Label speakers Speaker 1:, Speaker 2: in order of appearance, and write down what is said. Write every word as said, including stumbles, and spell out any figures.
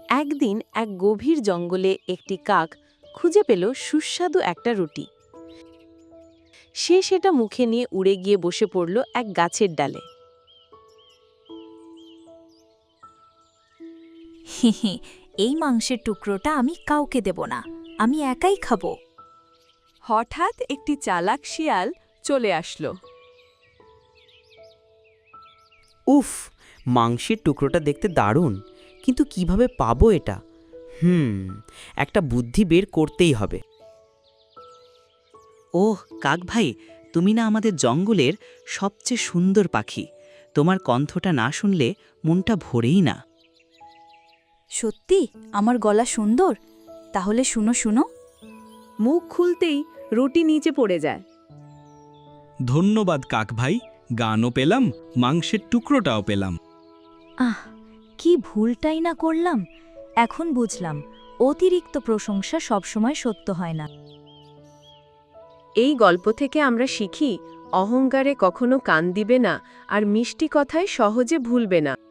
Speaker 1: একদিন এক গভীর জঙ্গলে একটি কাক খুঁজে পেল সুস্বাদু একটা রুটি। সে সেটা মুখে নিয়ে উড়ে গিয়ে বসে পড়ল এক গাছের ডালে।
Speaker 2: হে হে, এই মাংসের টুকরোটা আমি কাউকে দেব না, আমি একাই খাবো।
Speaker 3: হঠাৎ একটি চালাক শিয়াল চলে আসলো।
Speaker 4: উফ, মাংসের টুকরোটা দেখতে দারুণ, কিন্তু কিভাবে পাবো এটা? হুম একটা বুদ্ধি বের করতেই হবে। ওহ কাক ভাই, তুমি না আমাদের জঙ্গলের সবচেয়ে সুন্দর পাখি। তোমার কণ্ঠটা না শুনলে মনটা ভরেই না।
Speaker 2: সত্যি আমার গলা সুন্দর? তাহলে শুনো শুনো।
Speaker 3: মুখ খুলতেই রুটি নিচে পড়ে যায়।
Speaker 5: ধন্যবাদ কাক ভাই, গানও পেলাম, মাংসের টুকরোটাও পেলাম।
Speaker 2: আহ, কি ভুলটাই না করলাম। এখন বুঝলাম অতিরিক্ত প্রশংসা সবসময় সত্য হয় না।
Speaker 3: এই গল্প থেকে আমরা শিখি, অহংকারে কখনো কান দিবে না আর মিষ্টি কথায় সহজে ভুলবে না।